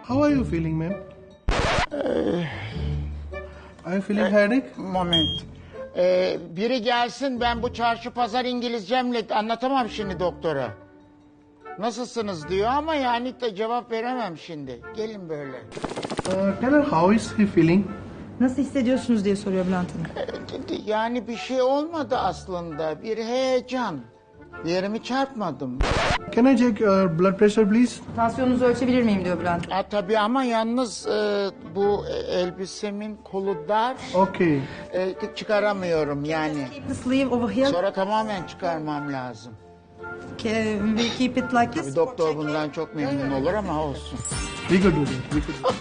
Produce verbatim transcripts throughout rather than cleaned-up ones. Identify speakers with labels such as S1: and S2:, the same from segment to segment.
S1: How are you feeling, ma'am? Are you feeling headache?
S2: Moment. Ee, biri gelsin, ben bu çarşı pazar İngilizcemle anlatamam şimdi doktora. Nasılsınız diyor ama yani de cevap veremem şimdi. Gelin böyle.
S1: Uh, tell her how is he feeling?
S3: Nasıl hissediyorsunuz diye soruyor Bülent Hanım.
S2: Ee, Yani bir şey olmadı aslında. Bir heyecan. Bir yerimi çarpmadım.
S1: Can I check your blood pressure, please?
S3: Tansiyonunuzu ölçebilir miyim diyor Bülent Hanım.
S2: Ha, tabii ama yalnız e, bu elbisemin kolu dar.
S1: Okay.
S2: E, çıkaramıyorum yani.
S3: Keep the sleeve over here.
S2: Sonra tamamen çıkarmam lazım.
S3: Can we keep it like this?
S2: Bir doktor bundan çok memnun olur ama olsun.
S1: We could do that. We could do that.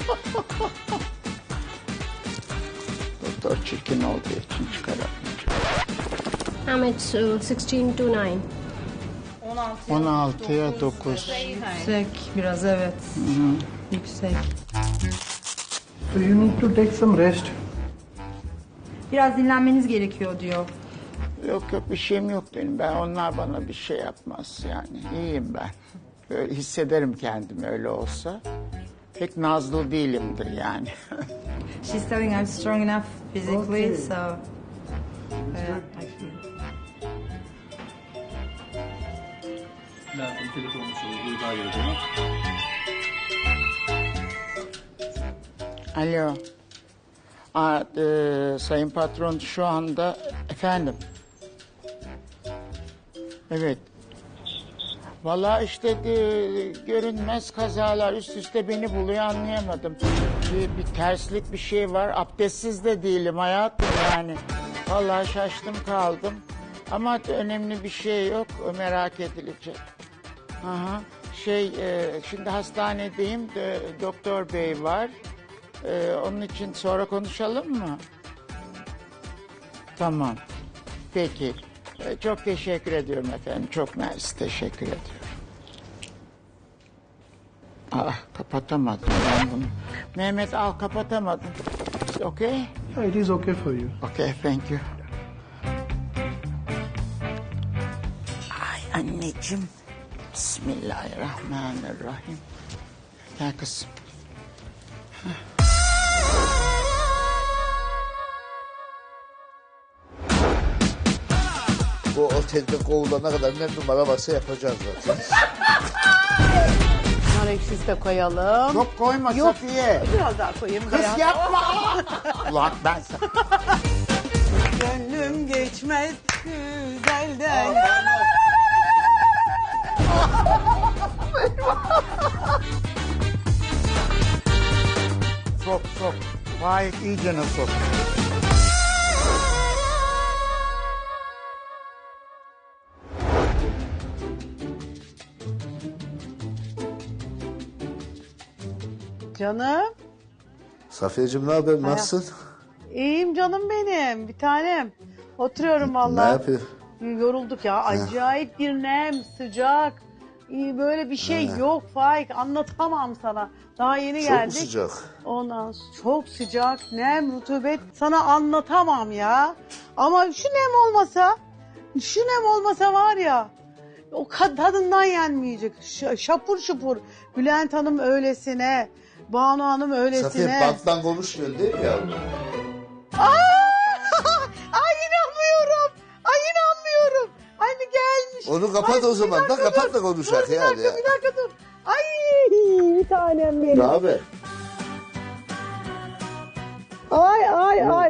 S2: Doktor çirkin olduğu için çıkaramayacağım.
S4: I'm at uh, sixteen to nine.
S2: on altıya dokuz.
S3: Yüksek biraz evet. Yüksek.
S1: So you need to take some rest.
S3: Biraz dinlenmeniz gerekiyor diyor.
S2: Yok yok bir şeyim yok benim. Ben onlar bana bir şey yapmaz yani. İyiyim ben. Böyle hissederim kendimi öyle olsa. Pek nazlı değilimdir yani.
S3: She's telling I'm strong enough physically,
S1: Okay.
S3: so... Yeah, I feel.
S5: Bülent Hanım telefonunu çalıyor. Buyur daha geliyor.
S2: Alo. Aa, e, sayın patron şu anda efendim. Evet. Vallahi işte de, görünmez kazalar üst üste beni buluyor anlayamadım. Bir, bir terslik bir şey var. Abdestsiz de değilim hayatım yani. Vallahi şaştım kaldım. Ama önemli bir şey yok. Merak edilecek. Aha. Şey e, şimdi hastanedeyim. De, doktor bey var. E, onun için sonra konuşalım mı? Tamam. Peki. E, çok teşekkür ediyorum efendim. Çok nice. Teşekkür ediyorum. Ah kapatamadım ben bunu. Mehmet al kapatamadım. Okay?
S1: Yeah, it is okay for you.
S2: Okay, thank you. Ay anneciğim. Bismillahirrahmanirrahim. Gel kızım.
S6: Bu otelde kovulana kadar ne numara varsa yapacağız zaten.
S7: Nar ekşisi de koyalım.
S2: Çok koyma
S7: Yok,
S2: Safiye.
S7: biraz daha koyayım.
S2: Kız
S7: Biraz.
S2: yapma. Ulan ben sana.
S7: Gönlüm geçmez güzelden.
S2: Sok sok. Vay iyicene sok.
S7: Canım.
S6: Safiyeciğim ne haber? Nasılsın?
S7: İyiyim canım benim. Bir tanem. Oturuyorum
S6: Ne
S7: vallahi.
S6: yapıyor?
S7: Yorulduk ya. Acayip bir nem, sıcak. İyi, böyle bir şey yok Faik. Anlatamam sana. Daha yeni
S6: Çok mu
S7: geldik.
S6: sıcak?
S7: Ondan sonra çok sıcak, nem, rutubet. Sana anlatamam ya. Ama şu nem olmasa, şu nem olmasa var ya, o kad- tadından yenmeyecek. Ş- şapur şupur. Bülent Hanım öylesine, Banu Hanım öylesine.
S6: Safiye banttan konuşmuyor değil mi ya?
S7: Aa! Ay inanmıyorum. Ay inanmıyorum. Ay bir gelmiş.
S6: Onu kapat
S7: Ay,
S6: o zaman
S7: bir
S6: da
S7: dakika
S6: kapat
S7: dur.
S6: da konuşak
S7: Dur, bir
S6: yani.
S7: dakika,
S6: ya.
S7: bir dakika dur. Ay bir tanem benim.
S6: Ne haber?
S7: Ay ay ay.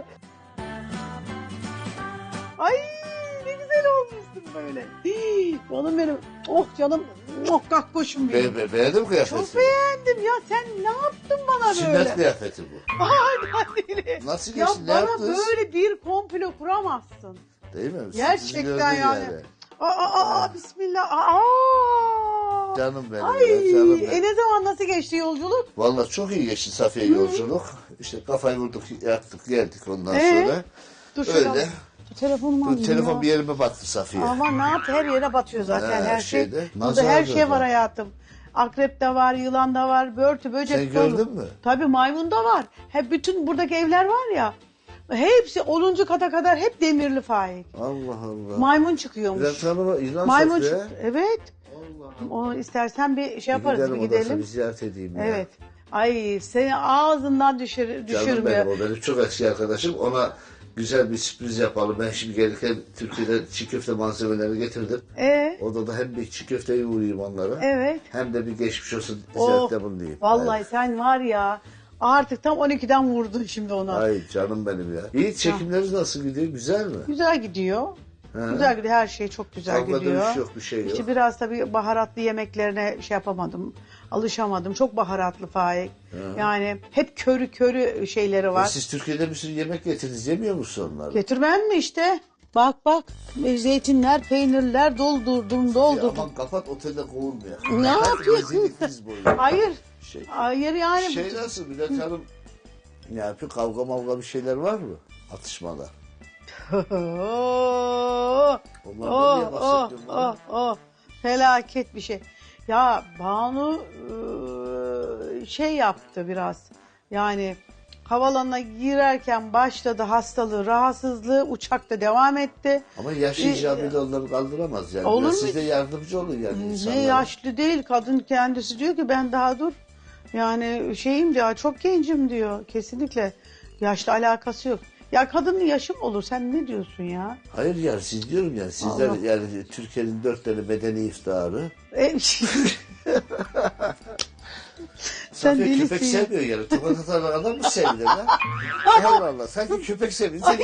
S7: Ay ne güzel olmuşsun böyle. Hii, canım benim. Oh canım. Oh kakkoşum benim.
S6: Be, be, beğendin mi kıyafeti?
S7: Çok beğendim ya. Sen ne yaptın bana
S6: Sünnet
S7: böyle?
S6: kıyafeti bu.
S7: Ay deli.
S6: Nasıl
S7: Ya
S6: geçti? Ne
S7: bana
S6: yaptınız?
S7: böyle bir komplo kuramazsın.
S6: Değil mi? Sizi
S7: Gerçekten
S6: gördüm
S7: yani. Aa, aa, aa, bismillah. Aa.
S6: Canım benim
S7: Ay,
S6: ya, canım benim.
S7: e ne zaman nasıl geçti yolculuk?
S6: Vallahi çok iyi geçti Safiye yolculuk. İşte kafayı vurduk, yattık, geldik ondan
S7: Ee?
S6: sonra.
S7: Dur şöyle
S6: Öyle.
S7: al. Telefonumu
S6: Bu
S7: alayım
S6: telefon
S7: ya.
S6: bir yerime battı Safiye.
S7: Ama ne yap her yere batıyor zaten
S6: Ha,
S7: her şey.
S6: şeyde,
S7: Burada
S6: nazar
S7: her şey
S6: gördüm.
S7: var hayatım. Akrep de var, yılan da var, börtü, böcek
S6: Sen
S7: dolu.
S6: gördün mü?
S7: Tabii maymun da var. Hep bütün buradaki evler var ya. Hepsi onuncu kata kadar hep demirli Faik.
S6: Allah Allah.
S7: Maymun çıkıyormuş.
S6: Bülent Hanım'a inan
S7: Maymun
S6: Safiye.
S7: çıktı. Evet. O istersen bir şey yaparız,
S6: Gidelim
S7: bir
S6: odasına,
S7: gidelim.
S6: bir ziyaret edeyim ya.
S7: Evet. Ay seni ağzından düşür,
S6: Canım
S7: düşürmüyor.
S6: benim, o benim çok eski arkadaşım. Ona güzel bir sürpriz yapalım. Ben şimdi gelirken Türkiye'den çiğ köfte malzemelerini getirdim.
S7: Ee?
S6: Odada hem bir çiğ köfteyi uğrayayım onlara.
S7: Evet.
S6: Hem de bir geçmiş olsun
S7: Of,
S6: ziyarette bulunayım.
S7: vallahi
S6: Evet.
S7: sen var ya artık tam on ikiden vurdun şimdi ona.
S6: Ay canım benim ya. İyi, çekimleriniz nasıl gidiyor? Güzel mi?
S7: Güzel gidiyor.
S6: Ha.
S7: Güzel gidiyor. Her şey çok güzel
S6: Kavga
S7: gidiyor.
S6: dövüş yok, bir şey yok.
S7: İşte biraz tabii baharatlı yemeklerine şey yapamadım. Alışamadım. Çok baharatlı Faik. Yani hep körü körü şeyleri
S6: E
S7: var.
S6: siz Türkiye'de bir sürü yemek getirdiniz. Yemiyor musun onları?
S7: Getirmem mi işte? Bak bak. Zeytinler, peynirler doldurdum,
S6: Ya
S7: doldurdum.
S6: aman kapat, otelde kovulmuyor.
S7: Ne
S6: Kapat,
S7: yapıyorsun?
S6: rezillikiniz boyu.
S7: Hayır.
S6: Şey,
S7: Hayır yani.
S6: şey nasıl Bülent Hanım? Ne yapıyor? Kavga mavga bir şeyler var mı? Atışmalar.
S7: Oh,
S6: Onlardan
S7: oh,
S6: niye
S7: oh,
S6: bahsediyorsun bana?
S7: oh, oh. Felaket bir şey. Ya Banu e, şey yaptı biraz. Yani havalanına girerken başladı hastalığı, rahatsızlığı, uçakta devam etti.
S6: Ama yaş
S7: E,
S6: icabıyla onları kaldıramaz yani.
S7: olur
S6: Biraz
S7: mu?
S6: siz de yardımcı olun yani
S7: Ne
S6: insanlara.
S7: yaşlı değil, kadın kendisi diyor ki ben daha dur. Yani şeyim diyor, çok gencim diyor. Kesinlikle yaşlı alakası yok. Ya kadının yaşı mı olur? Sen ne diyorsun ya?
S6: Hayır yani siz diyorum yani sizler
S7: Allah.
S6: yani Türkiye'nin dört tane medeni iftiharı.
S7: E,
S6: Sen
S7: delisin
S6: köpek
S7: ya.
S6: sevmiyor yani. Tokat atan adam mı sevilir lan? Allah Allah. Sanki köpek seviyor. Sen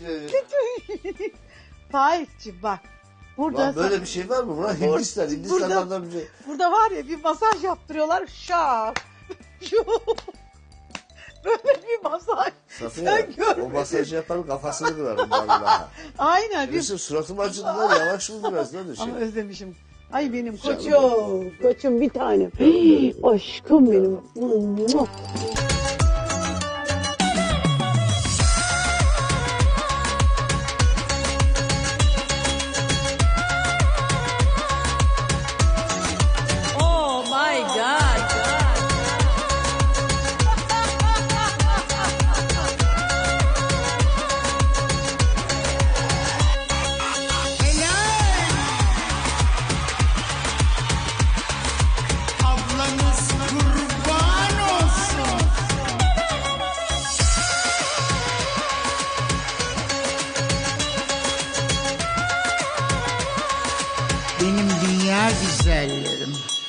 S7: Faikciğim bak. Burada
S6: Lan böyle bir şey var mı? Ulan Hindistan. Hindistan'dan da bir şey.
S7: burada var ya bir masaj yaptırıyorlar. Şak. Şu. Böyle bir masaj.
S6: Safiye,
S7: Sen görmedin.
S6: o masajı yaparım kafasını kırarım vallahi.
S7: Aynen. Bir...
S6: Yusuf suratım acıdı lan, yavaş mı biraz lan şey.
S7: Ama özlemişim. Ay benim
S6: Canım.
S7: koçum. Koçum bir tanem. Aşkım benim.
S3: Oh my God.
S2: Ablanız kurban olsun. Benim dünya güzellerim.